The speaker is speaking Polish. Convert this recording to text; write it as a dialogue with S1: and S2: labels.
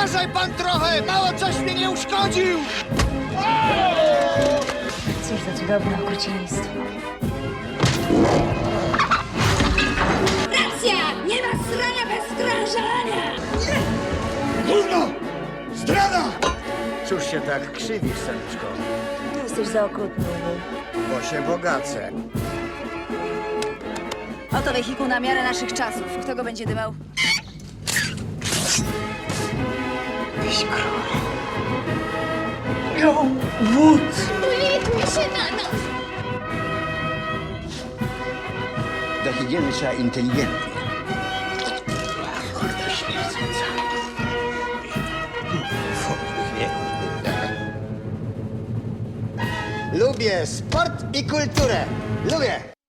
S1: Uważaj pan trochę! Mało coś mnie nie uszkodził!
S2: Cóż za cudowne okrucieństwo.
S3: Racja! Nie ma srania bez strążania!
S1: Gówno! Zdrada!
S4: Cóż się tak krzywisz, Seliczko?
S2: Jesteś za okrutny, Uwu.
S4: Bo się bogacę.
S2: Oto wehikuł na miarę naszych czasów. Kto go będzie dymał?
S3: Ulituj się na nas!
S4: Do higieny trzeba inteligentnie. Lubię sport i kulturę. Lubię.